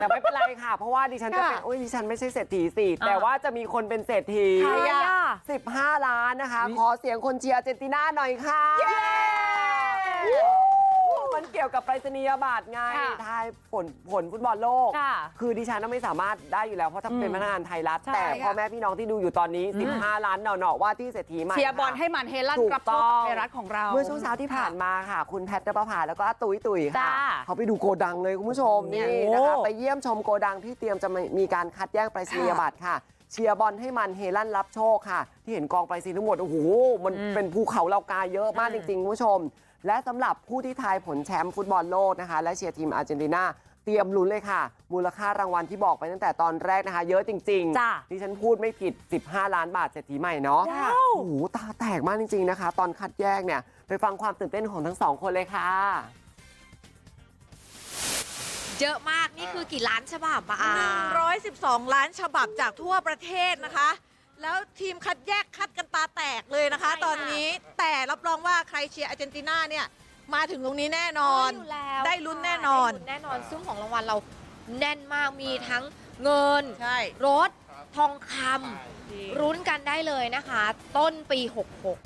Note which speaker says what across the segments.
Speaker 1: แต่ไม่เป็นไรค่ะ เพราะว่าดิฉันจะเป็นดิฉันไม่ใช่เศรษฐีสิแต่ว่าจะมีคนเป็นเศรษฐี15 ล้านนะคะขอเสียงคนเชียร์อาร์เจนตินาหน่อยค่ะมันเกี่ยวกับไปรษณียบัตรไงทายผลฟุตบอลโลกคือดิฉันไม่สามารถได้อยู่แล้วเพราะถ้าเป็นพนักงานไทยรัฐแต่พ่อแม่พี่น้องที่ดูอยู่ตอนนี้15 ล้านหน่อๆว่าที่เศรษฐีใหม่
Speaker 2: เชียร์บอลให้มันเฮลั่นรับโชคไทยรัฐของเรา
Speaker 1: เมื่อช่วงเช้าที่ผ่านมาค่ะคุณแพทย์ณปภาแล้วก็ตุ๋ยค่ะเขาไปดูโกดังเลยคุณผู้ชมนี่นะคะไปเยี่ยมชมโกดังที่เตรียมจะมีการคัดแยกไปรษณียบัตรค่ะเชียร์บอลให้มันเฮลั่นรับโชคค่ะที่เห็นกองไปรษณีย์ทั้งหมดโอ้โหมันเป็นภูเขาเหล่ากาเยอะมากจริงๆคุณผู้ชมและสำหรับผู้ที่ทายผลแชมป์ฟุตบอลโลกนะคะและเชียร์ทีมอาร์เจนตินาเตรียมลุ้นเลยค่ะมูลค่ารางวัลที่บอกไปตั้งแต่ตอนแรกนะคะเยอะจริงๆดิฉันพูดไม่ผิด15 ล้านบาทเศรษฐีใหม่เนาะโอ้โหตาแตกมากจริงๆนะคะตอนคัดแยกเนี่ยไปฟังความตื่นเต้นของทั้งสองคนเลยค่ะ
Speaker 3: เยอะมากนี่คือกี่ล้านฉบับ
Speaker 4: 112 ล้านฉบับจากทั่วประเทศนะคะแล้วทีมคัดแยกคัดกันตาแตกเลยนะคะตอนนี้แต่รับรองว่าใครเชียร์อาร์เจนตินาเนี่ยมาถึงตรงนี้แน่นอนได้ลุ้นแน่นอน
Speaker 3: ซึ่งของรางวัลเราแน่นมากมีทั้งเงินรถทองคำรุ้นกันได้เลยนะคะต้นปี66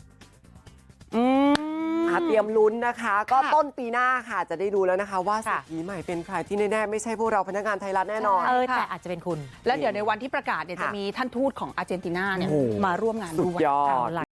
Speaker 1: เตรียมลุ้นนะคะก็ต้นปีหน้าค่ะจะได้ดูแล้วนะคะว่าเศรษฐีใหม่เป็นใครที่แน่ๆไม่ใช่พวกเราพนักงานไทยรัฐแน่นอน
Speaker 2: แต่อาจจะเป็นคุณแล้วเดี๋ยวในวันที่ประกาศเนี่ยจะมีท่านทูตของอาร์เจนตินาเนี่ยมาร่วมงานด้วย